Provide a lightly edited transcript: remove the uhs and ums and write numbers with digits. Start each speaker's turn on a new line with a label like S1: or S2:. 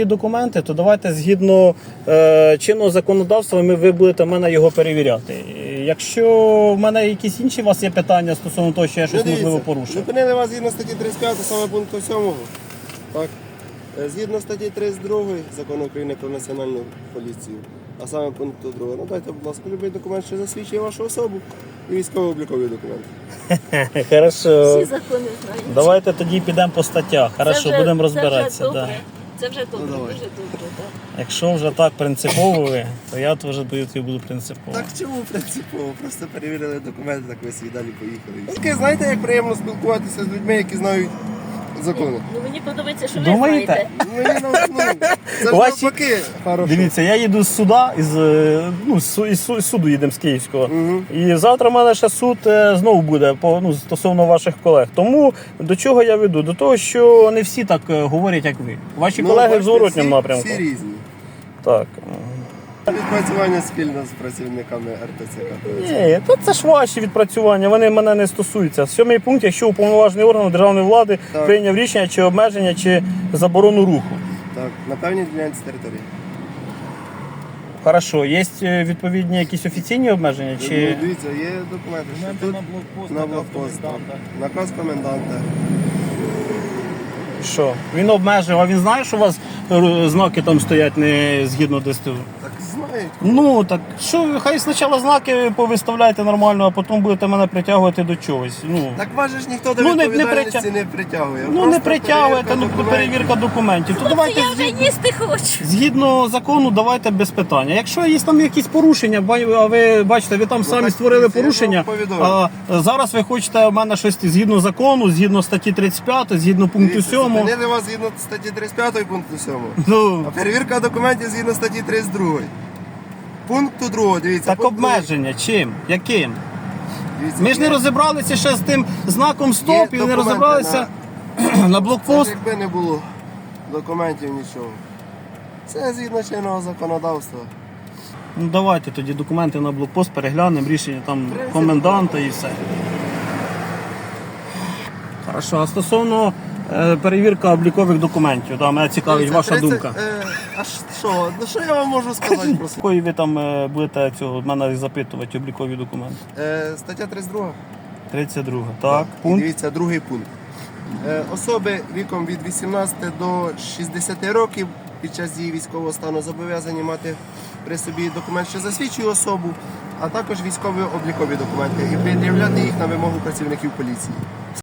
S1: Документи, то давайте згідно чинного законодавства ви будете в мене його перевіряти. Якщо в мене якісь інші у вас є питання стосовно того, що я щось можливо порушив.
S2: Зупинили вас згідно статті 35, саме пункту 7. Так. Згідно статті 32 Закону України про національну поліцію, а саме пункту 2. Ну дайте, будь ласка, любий документ, що засвідчує вашу особу і військово-облікові документи.
S1: Хорошо.
S3: Всі закони знають.
S1: Давайте тоді підемо по статтях. Хорошо, будемо розбиратися. Да.
S3: Це вже добре,
S2: давай.
S3: дуже добре. Так.
S1: Якщо вже так принципово ви, то я теж буду принципово.
S2: Так чому принципово? Просто перевірили документи, так ви собі далі поїхали. Таке, знаєте, як приємно спілкуватися з людьми, які знають закони.
S3: Ну мені подобається, що ви
S1: Думаєте?
S3: знаєте.
S2: Це ж
S1: Ваші-
S2: навпаки хорошо.
S1: Дивіться, я їду з суда, із суду їдемо з Київського. І завтра в мене ще суд знову буде стосовно ваших колег. Тому до чого я веду? До того, що не всі так говорять, як ви. Ваші колеги в
S2: бачите,
S1: зворотньому
S2: всі-
S1: напрямку.
S2: Всі різні.
S1: Так.
S2: Відпрацювання спільно з працівниками РТЦК.
S1: Ні, це ж ваші відпрацювання, вони мене не стосуються. 7 пункт, якщо уповноважений орган державної влади
S2: Так.
S1: прийняв рішення чи обмеження, чи заборону руху.
S2: Так, на певній ділянці території.
S1: Хорошо, є відповідні якісь офіційні обмеження? Чи...
S2: Ну, дивіться, є документи, що тут на блокпост. Наказ коменданта.
S1: Що? Він обмежив, а він знає, що у вас знаки там стоять не згідно ДСТУ?
S2: Так знають.
S1: Ну, так що, хай спочатку знаки повиставляйте нормально, а потім будете мене притягувати до чогось. Ну,
S2: Так вас же ж ніхто до
S1: Ну, не
S2: відповідальності не притягує.
S1: ну не
S2: Просто
S1: притягуєте,
S2: перевірка документів.
S1: перевірка документів. То
S3: Хлопці,
S1: давайте
S3: я вже їсти хочу.
S1: згідно закону, давайте без питання. Якщо є там якісь порушення, а ви бачите, ви там самі
S2: так,
S1: створили
S2: я
S1: порушення,
S2: вам повідомив.
S1: а зараз ви хочете в мене щось згідно закону, згідно статті 35, згідно пункту
S2: Дивіться,
S1: 7.
S2: зупинили вас згідно статті 35 пункту 7.
S1: Ну,
S2: А перевірка документів згідно статті 32. Пункту 2, дивіться.
S1: так
S2: пункт другий.
S1: обмеження чим? Яким?
S2: Дивіться,
S1: Ми ж не
S2: є-
S1: розібралися ще з тим знаком стоп і не
S2: документи
S1: розібралися на
S2: Це
S1: блокпост.
S2: ж якби не було документів нічого. Це згідно чинного законодавства.
S1: Ну давайте тоді документи на блокпост переглянемо, рішення там коменданта і все. Хорошо, а стосовно перевірка облікових документів, да, мене цікавить
S2: Дивіться,
S1: ваша
S2: 30,
S1: думка.
S2: А що? Ну що я вам можу сказати про це?
S1: Якої ви там будете цього мене запитувати облікові документи?
S2: Стаття 32.
S1: 32. Так,
S2: І
S1: пункт.
S2: дивіться, другий пункт. Особи віком від 18 до 60 років під час дії військового стану зобов'язані мати при собі документ, що засвідчує особу, а також військові облікові документи і пред'являти їх на вимогу працівників поліції.